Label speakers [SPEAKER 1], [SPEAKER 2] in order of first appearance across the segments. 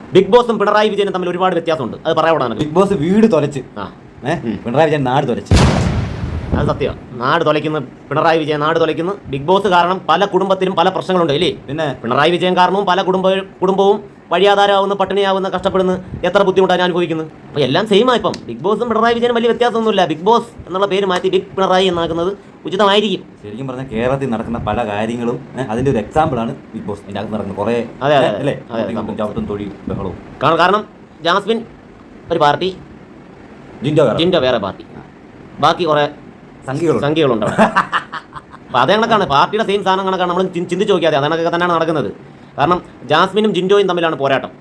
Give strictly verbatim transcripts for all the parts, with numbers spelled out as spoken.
[SPEAKER 1] Big ബോസും Pinarayi വിജയനും തമ്മിൽ ഒരുപാട് വ്യത്യാസമുണ്ട്. അത് പറയാൻ
[SPEAKER 2] ബിഗ് ബോസ് വീട് തുലച്ച്,
[SPEAKER 1] ആ
[SPEAKER 2] പിണറായി വിജയൻ നാട് തുലച്ച്.
[SPEAKER 1] അത് സത്യമാണ്. നാട് തുലയ്ക്കുന്നു പിണറായി വിജയൻ, നാട് തുലയ്ക്കുന്നു. ബിഗ് ബോസ് കാരണം പല കുടുംബത്തിലും പല പ്രശ്നങ്ങളുണ്ട് ഇല്ലേ?
[SPEAKER 2] പിന്നെ
[SPEAKER 1] പിണറായി വിജയൻ കാരണവും പല കുടുംബ കുടുംബവും വഴിയാധാരമാവുന്ന, പട്ടിണിയാവുന്ന, കഷ്ടപ്പെടുന്ന, എത്ര ബുദ്ധിമുട്ടാണ് അനുഭവിക്കുന്നത്. അപ്പോൾ എല്ലാം സെയിമാണ്. ഇപ്പം ബിഗ് ബോസും പിണറായി വിജയനും വലിയ വ്യത്യാസമൊന്നുമില്ല. ബിഗ് ബോസ് എന്നുള്ള പേര് മാറ്റി ബിഗ് പിണറായി എന്നാക്കുന്നത് ഉചിതമായിരിക്കും.
[SPEAKER 2] ശരിക്കും പറഞ്ഞാൽ കേരളത്തിൽ നടക്കുന്ന പല കാര്യങ്ങളും അതിൻ്റെ ഒരു എക്സാമ്പിളാണ് ബിഗ് ബോസ്. ഇതിൻ്റെ അകത്ത് നടക്കുന്ന കുറേ
[SPEAKER 1] അതെ അതെ
[SPEAKER 2] അല്ലേ
[SPEAKER 1] ചവിട്ടും
[SPEAKER 2] തൊഴിൽ ബഹളവും.
[SPEAKER 1] കാരണം ജാസ്മിൻ ഒരു പാർട്ടി,
[SPEAKER 2] ജിൻഡോ
[SPEAKER 1] ജിൻഡോ വേറെ പാർട്ടി, ബാക്കി കുറേ
[SPEAKER 2] സംഖ്യകളുണ്ട്
[SPEAKER 1] സംഖ്യകളുണ്ട് അവിടെ. അപ്പോൾ അതേ കണക്കാണ്, പാർട്ടിയുടെ സെയിം സാധനം കണക്കാണ്. നമ്മൾ ചിന്തിച്ച് നോക്കിയാൽ അതേ കണക്കൊക്കെ തന്നെയാണ് നടക്കുന്നത്. കാരണം ജാസ്മിനും ജിൻഡോയും തമ്മിലാണ് പോരാട്ടം.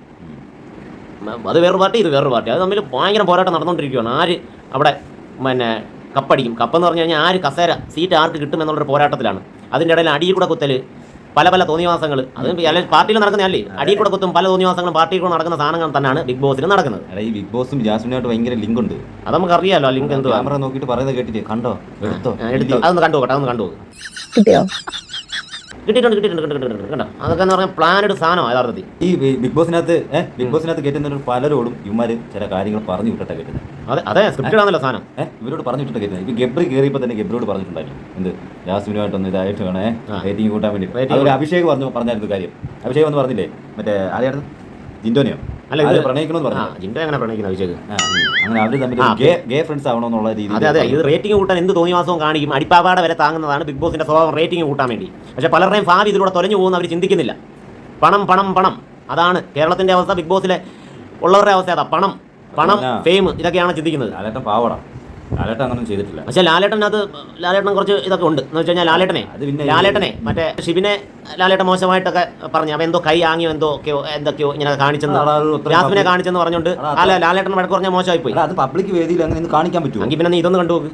[SPEAKER 1] അത് വേറൊരു പാർട്ടി, ഇത് വേറൊരു പാർട്ടി. അത് തമ്മിൽ ഭയങ്കര പോരാട്ടം നടന്നുകൊണ്ടിരിക്കുകയാണ്. ആര് അവിടെ പിന്നെ കപ്പടിക്കും, കപ്പെന്ന് പറഞ്ഞു കഴിഞ്ഞാൽ ആര് കസേര സീറ്റ് ആർക്ക് കിട്ടും എന്നുള്ളൊരു പോരാട്ടത്തിലാണ്. അതിൻ്റെ ഇടയിൽ അടിയിൽ കൂടെ കുത്തൽ, പല പല തോന്നിവാസങ്ങൾ, അത് പാർട്ടിയിൽ നടക്കുന്നതല്ലേ. അടിയിൽ കൂടെ കുത്തും പല തോന്നിവാസങ്ങളും പാർട്ടിയിൽ കൂടെ നടക്കുന്ന സാധനങ്ങൾ തന്നെയാണ് ബിഗ് ബോസിൽ നടക്കുന്നത്.
[SPEAKER 2] ഈ ബിഗ് ബോസും ജാസ്മിനായിട്ട് ഭയങ്കര ലിങ്ക് ഉണ്ട്.
[SPEAKER 1] അത് നമുക്ക് അറിയാമല്ലോ. ലിങ്ക് എന്ത്
[SPEAKER 2] ക്യാമറ നോക്കിയിട്ട് പറയുന്നത് കേട്ടിട്ട് കണ്ടോ, എടുത്തോ,
[SPEAKER 1] എടുത്തി അതൊന്ന് കണ്ടു നോക്കട്ടെ, അതൊന്ന് കണ്ടു നോക്ക്. കിട്ടിയിട്ടുണ്ട് കിട്ടിയിട്ടുണ്ട് കിട്ടിയിട്ടുണ്ട് കണ്ടോ. അതൊക്കെ എന്ന് പറഞ്ഞാൽ പ്ലാനഡ് സാധനമാണ് യഥാർത്ഥത്തിൽ.
[SPEAKER 2] ഈ ബിഗ് ബോസിനകത്ത് ഏഹ് ബിഗ് ബോസിനകത്ത് കേട്ടുന്ന പലരോടും ഇവന്മാർ ചില കാര്യങ്ങൾ പറഞ്ഞു വിട്ടിട്ടാ കേട്ടുന്നത്.
[SPEAKER 1] അതെ അതെ സ്ക്രിപ്റ്റഡ് ആണല്ലോ സാധനം.
[SPEAKER 2] ഏഹ് ഇവരോട് പറഞ്ഞു വിട്ടിട്ട് കേട്ടുന്നത്. ഇപ്പൊ ഗബ്രി കയറിയപ്പോൾ തന്നെ ഗബ്രിയോട് പറഞ്ഞിട്ടുണ്ടായിരുന്നു എന്ത് ജാസ്മിനുമായിട്ടൊന്ന് ഇതായിട്ട് വേണേ റേറ്റിംഗ് കൂട്ടാൻ വേണ്ടി. അതുപോലെ അഭിഷേക് പറഞ്ഞു പറഞ്ഞായിരുന്നു കാര്യം. അഭിഷേക് എന്ന് പറഞ്ഞില്ലേ മറ്റേ ആരെയായിരുന്നു, ജിൻഡോനെയോ? അല്ല ഇത് പ്രണയിക്കണമെന്ന് പറഞ്ഞു.
[SPEAKER 1] ജിൻഡോ എങ്ങനെ പ്രണയിക്കുന്നത് അഭിഷേക്?
[SPEAKER 2] അങ്ങനെ അവർ തമ്മിൽ ഗേ ഫ്രണ്ട്സ് ആവണമെന്നുള്ള രീതി.
[SPEAKER 1] അതെ അതെ ഇത് റേറ്റിംഗ് കൂട്ടാൻ എന്ത് തോന്നിവാസവും കാണിക്കും. അടിപ്പാവാട വരെ താങ്ങുന്നതാണ് ബിഗ് ബോസിന്റെ സ്വഭാവം, റേറ്റിംഗ് കൂട്ടാൻ വേണ്ടി. പക്ഷേ പലരുടെയും ഭാവി ഇതിലൂടെ തൊലഞ്ഞു പോകുന്ന അവർ ചിന്തിക്കുന്നില്ല. പണം പണം പണം, അതാണ് കേരളത്തിന്റെ അവസ്ഥ. ബിഗ് ബോസിലെ ഉള്ളവരുടെ അവസ്ഥ അതാ, പണം പണം ഫെയിം ഇതൊക്കെയാണ് ചിന്തിക്കുന്നത്.
[SPEAKER 2] ലാലേട്ടൻ പാവടാ, ലാലേട്ടൻ അങ്ങനൊന്നും ചെയ്തിട്ടില്ല.
[SPEAKER 1] പക്ഷേ ലാലേട്ടനകത്ത് ലാലേട്ടൻ കുറച്ച് ഇതൊക്കെ ഉണ്ട് എന്ന് വെച്ച് കഴിഞ്ഞാൽ ലാലേട്ടനെ ലാലേട്ടനെ മറ്റേ ഷിബിനെ ലാലേട്ടൻ മോശമായിട്ടൊക്കെ പറഞ്ഞു. അവൻ എന്തോ കൈ ആങ്ങിയോ എന്തോ ഒക്കെയോ എന്തൊക്കെയോ ഇങ്ങനെ കാണിച്ചെന്ന്, ജാസ്മിനെ കാണിച്ചെന്ന് പറഞ്ഞുകൊണ്ട് അല്ല ലാലേട്ടൻ വഴക്ക് പറഞ്ഞാൽ മോശമായി പോയി.
[SPEAKER 2] അത് പബ്ലിക് വേദിയിൽ അങ്ങനെ കാണിക്കാൻ പറ്റുമോ?
[SPEAKER 1] എങ്കിൽ പിന്നെ നീ ഇതൊന്ന് കണ്ടുപോക്ക്.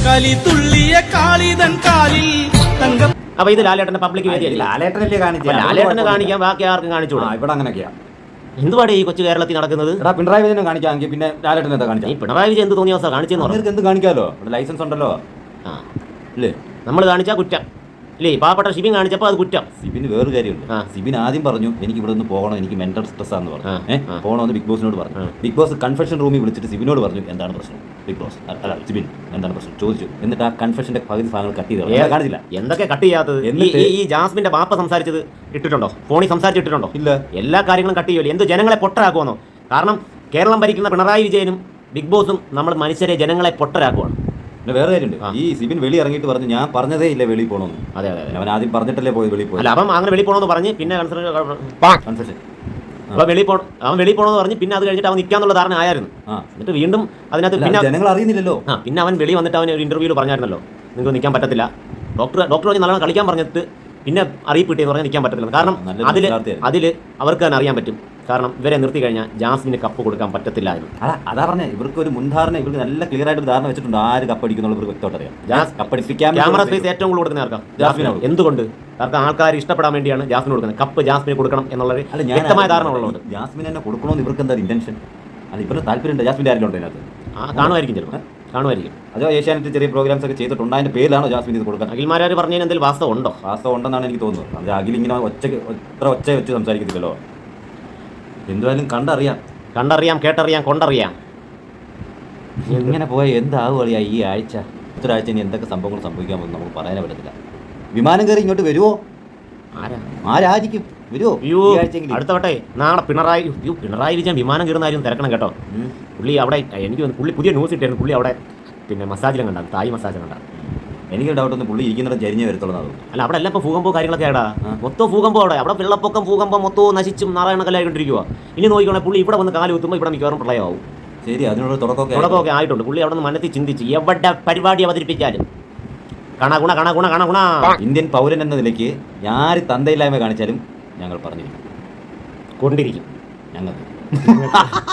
[SPEAKER 1] അപ്പൊ ഇത് ലാലേട്ടന്റെ പബ്ലിക് വേദിയല്ലേ?
[SPEAKER 2] ലാലേട്ടനല്ലേ കാണിച്ചു,
[SPEAKER 1] ലാലേട്ടനെ കാണിക്കാൻ ബാക്കി ആർക്കും കാണിച്ചോളൂ.
[SPEAKER 2] ഇവിടെ അങ്ങനെയൊക്കെയാ
[SPEAKER 1] എന്തുപാടെ ഈ കൊച്ചു കേരളത്തിൽ നടക്കുന്നത്?
[SPEAKER 2] പിണറായി വിജയനെ കാണിക്കാമെങ്കിൽ പിന്നെ ലാലേട്ടൻ എന്താ കാണിച്ചാൽ?
[SPEAKER 1] ഈ പിണറായി വിജയൻ എന്ത് തോന്നിയ അവസ്ഥ കാണിച്ചെന്ന് പറഞ്ഞു.
[SPEAKER 2] എന്ത് കാണിക്കാമല്ലോ, ഇവിടെ ലൈസൻസ് ഉണ്ടല്ലോ.
[SPEAKER 1] ആ
[SPEAKER 2] അല്ലേ
[SPEAKER 1] നമ്മൾ കാണിച്ചാൽ കുറ്റം ഇല്ലേ? പാവപ്പെട്ട ഷിബിൻ കാണിച്ചപ്പോൾ അത് കുറ്റം.
[SPEAKER 2] സിബിന് വേറൊരു കാര്യമുണ്ട്. സിബിൻ ആദ്യം പറഞ്ഞു എനിക്ക് ഇവിടെ നിന്ന് പോകണം, എനിക്ക് മെന്റൽ സ്ട്രെസ് ആണെന്ന് പറഞ്ഞു. ഏഹ് പോകണമെന്ന് ബിഗ് ബോസിനോട് പറഞ്ഞു. ബിഗ് ബോസ് കൺഫെഷൻ റൂമിൽ വിളിച്ചിട്ട് സിബിനോട് പറഞ്ഞു എന്താണ് പ്രശ്നം. ബിഗ് ബോസ് അല്ല സിബിൻ എന്താണ് പ്രശ്നം ചോദിച്ചു. എന്നിട്ട് ആ കൺഫെഷന്റെ പകുതി ഭാഗങ്ങൾ കട്ട് ചെയ്ത് കാണിച്ചില്ല.
[SPEAKER 1] എന്തൊക്കെ കട്ട് ചെയ്യാത്തത്? ഈ ജാസ്മിന്റെ ബാപ്പ സംസാരിച്ചത് ഇട്ടിട്ടുണ്ടോ? ഫോണിൽ സംസാരിച്ചിട്ടുണ്ടോ?
[SPEAKER 2] ഇല്ല.
[SPEAKER 1] എല്ലാ കാര്യങ്ങളും കട്ട് ചെയ്യുമല്ലോ. എന്ത് ജനങ്ങളെ പൊട്ടരാക്കുമെന്നോ? കാരണം കേരളം ഭരിക്കുന്ന പിണറായി വിജയനും ബിഗ് ബോസും നമ്മൾ മനുഷ്യരെ ജനങ്ങളെ പൊട്ടരാക്കുവാണ്.
[SPEAKER 2] പിന്നെ വേറെ കാര്യമുണ്ട്. ഈ സിബിൻ വെളി ഇറങ്ങിയിട്ട് പറഞ്ഞു ഞാൻ പറഞ്ഞതേ ഇല്ല വെളി പോകണമെന്ന്.
[SPEAKER 1] അതെ അതെ
[SPEAKER 2] അവൻ ആദ്യം പറഞ്ഞിട്ടല്ലേ പോയി വെളി പോയി.
[SPEAKER 1] അല്ല അവൻ അങ്ങനെ വെളി പോകണമെന്ന് പറഞ്ഞ് പിന്നെ കൺഫെഷൻ അപ്പോൾ വെളി പോകണം, അവൻ വെളി പോകണമെന്ന് പറഞ്ഞ് പിന്നെ അത് കഴിഞ്ഞിട്ട് അവൻ നിൽക്കാന്നുള്ള ധാരണ ആയിരുന്നു. എന്നിട്ട് വീണ്ടും അതിനകത്ത് പിന്നെ
[SPEAKER 2] ജനങ്ങൾ അറിയുന്നില്ലല്ലോ.
[SPEAKER 1] ആ പിന്നെ അവൻ വെളി വന്നിട്ട് അവൻ ഒരു ഇന്റർവ്യൂവിൽ പറഞ്ഞായിരുന്നല്ലോ നിങ്ങൾക്ക് നിൽക്കാൻ പറ്റത്തില്ല. ഡോക്ടർ ഡോക്ടർ പറഞ്ഞ് നല്ലോണം കളിക്കാൻ പറഞ്ഞിട്ട് പിന്നെ അറിയിപ്പ് കിട്ടിയെന്ന് പറഞ്ഞാൽ നിൽക്കാൻ പറ്റത്തില്ല. കാരണം അതിൽ അതിൽ അവർക്ക് തന്നെ അറിയാൻ പറ്റും. കാരണം ഇവരെ നിർത്തി കഴിഞ്ഞാൽ ജാസ്മിന് കപ്പ് കൊടുക്കാൻ പറ്റത്തില്ല എന്ന്.
[SPEAKER 2] അതാ പറഞ്ഞത്. ഇവർക്ക് ഒരു മുൻധാരണ, ഇവർക്ക് നല്ല ക്ലിയർ ആയിട്ട് ധാരണ വെച്ചിട്ടുണ്ട് ആര് കപ്പടിക്കുന്നുള്ള വ്യക്തമായിട്ട് അറിയാം. കപ്പടിപ്പിക്കാൻ
[SPEAKER 1] ക്യാമറ സ്പേസ് ഏറ്റവും കൂടുതൽ കൊടുക്കുന്ന ആർക്കാം? ജാസ്മിനാണ്. എന്തുകൊണ്ട്? കാരണം ആൾക്കാർ ഇഷ്ടപ്പെടാൻ വേണ്ടിയാണ് ജാസ്മിന് കൊടുക്കുന്നത്. കപ്പ് ജാസ്മിന് കൊടുക്കണം എന്നുള്ള വ്യക്തമായ ധാരണ ഉള്ളതുകൊണ്ട്.
[SPEAKER 2] ജാസ്മിന് തന്നെ കൊടുക്കണമെന്ന് ഇവർക്ക് എന്താ ഇന്റൻഷൻ? അത് ഇവരുടെ താല്പര്യമുണ്ട്. ജാസ്മിൻ്റെ ആരെങ്കിലും ഉണ്ട് അതിനകത്ത്?
[SPEAKER 1] ആ കാണുമായിരിക്കും, ചിലപ്പോൾ കാണുമായിരിക്കും.
[SPEAKER 2] അതോ ഏഷ്യാനെറ്റ് ചെറിയ പ്രോഗ്രാംസ് ഒക്കെ ചെയ്തിട്ടുണ്ട്, അതിന്റെ പേരിലാണോ ജാസ്മിൻ ഇത് കൊടുക്കാൻ?
[SPEAKER 1] അഖിൽമാരാർ പറഞ്ഞതിന് എന്തെങ്കിലും വാസ്തവം ഉണ്ടോ?
[SPEAKER 2] വാസ്തവം ഉണ്ടെന്നാണ് എനിക്ക് തോന്നുന്നത്. അത് അഖിൽ ഇങ്ങനെ ഒച്ചയ്ക്ക് എത്ര ഒച്ച വെച്ച് സംസാരിക്കത്തില്ലല്ലോ. എന്തായാലും കണ്ടറിയാം
[SPEAKER 1] കണ്ടറിയാം കേട്ടറിയാം കൊണ്ടറിയാം.
[SPEAKER 2] ഇങ്ങനെ പോയാൽ എന്താവും അറിയാം ഈ ആഴ്ച ഒരാഴ്ച ഇനി എന്തൊക്കെ സംഭവങ്ങൾ സംഭവിക്കാൻ പോകുന്നു നമുക്ക് പറയാനേ പറ്റത്തില്ല. വിമാനം കയറി ഇങ്ങോട്ട് വരുമോ? ആരാ ആരായിരിക്കും വരുമോ?
[SPEAKER 1] അടുത്ത വട്ടെ നാളെ പിണറായി പിണറായി വിജയൻ വിമാനം കയറുന്ന കാര്യം തിരക്കണം കേട്ടോ. പുള്ളി അവിടെ എനിക്ക് പുള്ളി പുതിയ ന്യൂസ് ഇട്ടായിരുന്നു. പുള്ളി അവിടെ പിന്നെ മസാജിലും കണ്ടാണ്, തായ് മസാജ് കണ്ടാണ്.
[SPEAKER 2] എനിക്ക് ഡൗട്ട് ഒന്ന് പുള്ളി ഇരിക്കുന്നിടത്ത് ചരിഞ്ഞേ വരത്തുള്ളൂ.
[SPEAKER 1] അല്ല അവിടെ എല്ലാം ഇപ്പോൾ ഭൂകമ്പോ കാര്യങ്ങളൊക്കെ ആടാ, മൊത്തം ഭൂകമ്പോ അവിടെ അവിടെ വെള്ളപ്പൊക്കം ഭൂകമ്പം മൊത്തവും നശിച്ചും നാരായണക്കല്ലായിക്കൊണ്ടിരിക്കുക. ഇനി നോക്കിക്കോണേ പുള്ളി ഇവിടെ വന്ന് കാല് കുത്തുമ്പോൾ ഇവിടെ മിക്കവാറും പ്രളയമാവും.
[SPEAKER 2] ശരി, അതിനുള്ള തുടക്കമൊക്കെ
[SPEAKER 1] തുടക്കമൊക്കെ ആയിട്ടുണ്ട്. പുള്ളി അവിടെ നിന്ന് മനസ്സിൽ ചിന്തിച്ച് എവിടെ പരിപാടി അവതരിപ്പിച്ചാലും കണഗുണ കണഗുണ കണഗുണ.
[SPEAKER 2] ഇന്ത്യൻ പൗരൻ എന്ന നിലയ്ക്ക് ആര് തന്തയില്ലായ്മ കാണിച്ചാലും ഞങ്ങൾ പറഞ്ഞിരിക്കും,
[SPEAKER 1] കൊണ്ടിരിക്കും
[SPEAKER 2] ഞങ്ങൾക്ക്.